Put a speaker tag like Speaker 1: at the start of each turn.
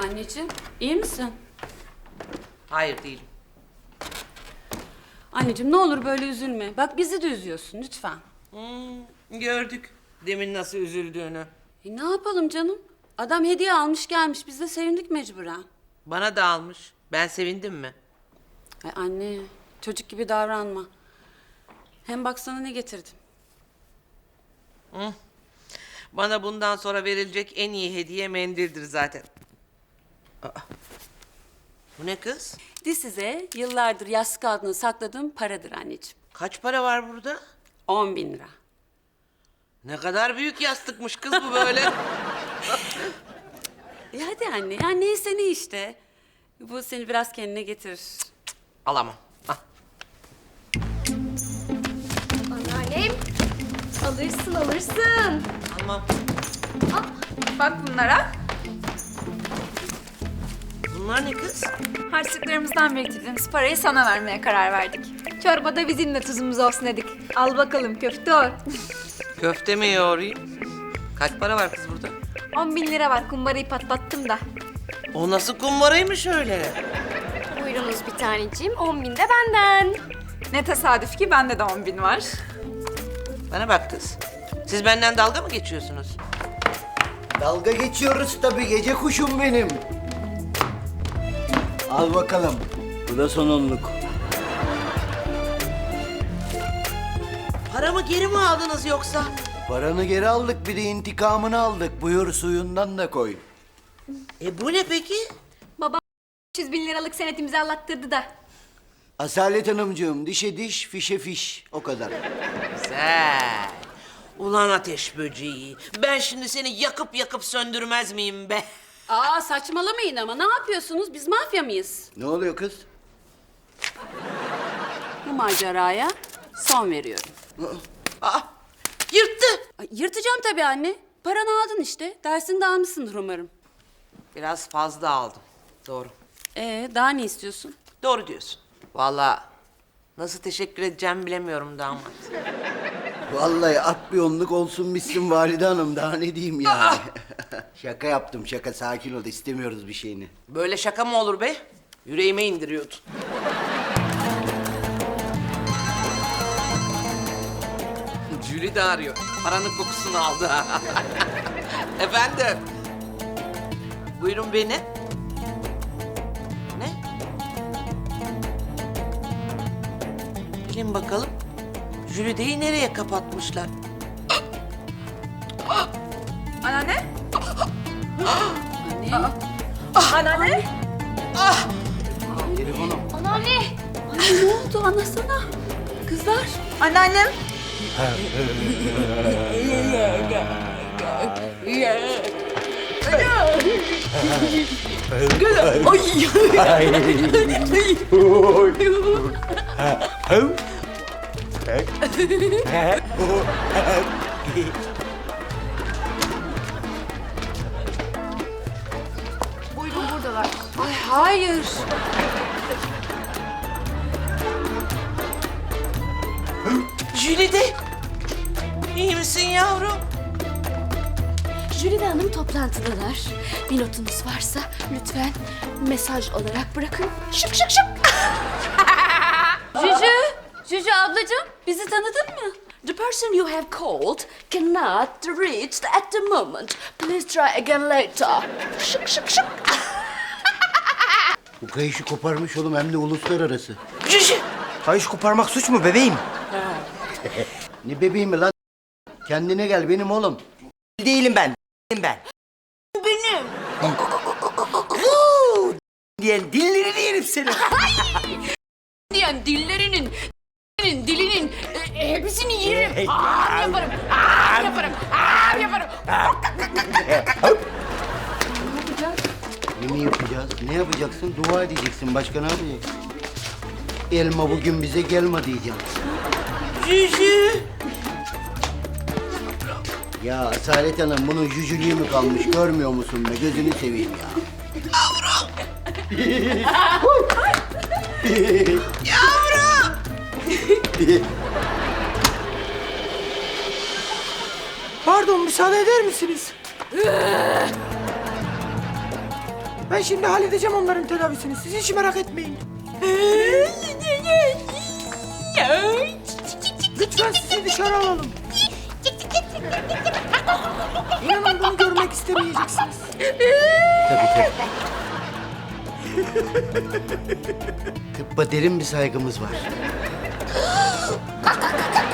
Speaker 1: Anneciğim, iyi misin?
Speaker 2: Hayır değilim.
Speaker 1: Anneciğim ne olur böyle üzülme. Bak bizi de üzüyorsun lütfen.
Speaker 2: Gördük demin nasıl üzüldüğünü.
Speaker 1: Ne yapalım canım? Adam hediye almış gelmiş. Biz de sevindik mecburen.
Speaker 2: Bana da almış. Ben sevindim mi?
Speaker 1: Ay anne, çocuk gibi davranma. Hem baksana ne getirdim.
Speaker 2: Bana bundan sonra verilecek en iyi hediye mendildir zaten. Aa, bu ne kız?
Speaker 1: Size yıllardır yastık altına sakladığım paradır anneciğim.
Speaker 2: Kaç para var burada?
Speaker 1: 10.000 lira.
Speaker 2: Ne kadar büyük yastıkmış kız bu böyle.
Speaker 1: Hadi anne, ya neyse ne işte. Bu seni biraz kendine getirir.
Speaker 2: Alamam. Ah.
Speaker 3: Anneannem. Alırsın alırsın.
Speaker 2: Almam.
Speaker 3: Al, bak bunlara.
Speaker 2: Bunlar ne kız?
Speaker 3: Harçlıklarımızdan biriktirdiğimiz parayı sana vermeye karar verdik. Çorbada bizimle tuzumuz olsun dedik. Al bakalım köfte o.
Speaker 2: Köfte mi yoğurayım? Kaç para var kız burada?
Speaker 3: 10.000 lira var, kumbarayı patlattım da.
Speaker 2: O nasıl kumbaraymış öyle?
Speaker 4: Buyurunuz bir taneciğim. 10.000 de benden.
Speaker 3: Ne tesadüf ki bende de 10.000 var.
Speaker 2: Bana bak kız. Siz benden dalga mı geçiyorsunuz?
Speaker 5: Dalga geçiyoruz tabii, gece kuşum benim. Al bakalım. Bu da son onluk.
Speaker 2: Paramı geri mi aldınız yoksa?
Speaker 5: Paranı geri aldık, bir de intikamını aldık. Buyur, suyundan da koy.
Speaker 2: Bu ne peki?
Speaker 3: 300 bin liralık senet imzalattırdı da.
Speaker 5: Asalet Hanımcığım, dişe diş, fişe fiş. O kadar.
Speaker 2: Güzel. Ulan ateş böceği. Ben şimdi seni yakıp yakıp söndürmez miyim be?
Speaker 1: Aa saçmalamayın ama ne yapıyorsunuz? Biz mafya mıyız?
Speaker 5: Ne oluyor kız?
Speaker 1: Bu maceraya son veriyorum.
Speaker 2: Aa, yırttı.
Speaker 1: Ay, yırtacağım tabii anne. Paranı aldın işte. Dersini de almışsındır umarım.
Speaker 2: Biraz fazla aldım. Doğru.
Speaker 1: Daha ne istiyorsun?
Speaker 2: Doğru diyorsun. Vallahi nasıl teşekkür edeceğimi bilemiyorum damat.
Speaker 5: Vallahi at bir onluk olsun bitsin Valide Hanım. Daha ne diyeyim yani? Şaka yaptım, şaka. Sakin ol, istemiyoruz bir şeyini.
Speaker 2: Böyle şaka mı olur be? Yüreğime indiriyordun. Jüri de arıyor. Paranın kokusunu aldı. Efendim. Buyurun beni. Ne? Bilin bakalım. Jürideyi nereye kapatmışlar?
Speaker 3: Anneanne?
Speaker 1: Anne.
Speaker 3: Anneanne?
Speaker 5: Telefonum.
Speaker 4: Anneanne.
Speaker 1: Anne ne oldu anlasana. Kızlar.
Speaker 3: Anneannem?
Speaker 4: Buyurun buradalar.
Speaker 1: Ay hayır.
Speaker 2: Jülide. İyi misin yavrum?
Speaker 4: Jülide Hanım toplantıdalar. Bir notunuz varsa lütfen mesaj olarak bırakın. Şık şık şık.
Speaker 1: Cücü ablacığım bizi tanıdın mı?
Speaker 4: The person you have called cannot reach at the moment. Please try again later. Şık şık şık.
Speaker 5: Bu kayışı koparmış oğlum, hem de uluslararası.
Speaker 2: Jüjü.
Speaker 6: Kayış koparmak suç mu bebeğim?
Speaker 5: Ne bebeğim mi lan? Kendine gel benim oğlum.
Speaker 6: Değilim ben. Ben.
Speaker 2: Benim.
Speaker 6: Diyen dillerini yerim senin.
Speaker 1: Diyen dillerinin, dilinin hepsini yerim. Yaparım, yaparım.
Speaker 5: Ne mi yapacağız? Ne yapacaksın? Dua edeceksin. Başka ne yapacaksın? Elma bugün bize gelme diyeceğim.
Speaker 2: Jüjü.
Speaker 5: Ya Asalet Hanım, bunun cücülüğü mü kalmış? Görmüyor musun be? Gözünü seveyim ya.
Speaker 2: Yavrum.
Speaker 6: Pardon, müsaade eder misiniz? Ben şimdi halledeceğim onların tedavisini. Siz hiç merak etmeyin. Lütfen sizi dışarı alalım. İnanın bunu görmek istemeyeceksiniz.
Speaker 5: Tabii. Tıbba derin bir saygımız var.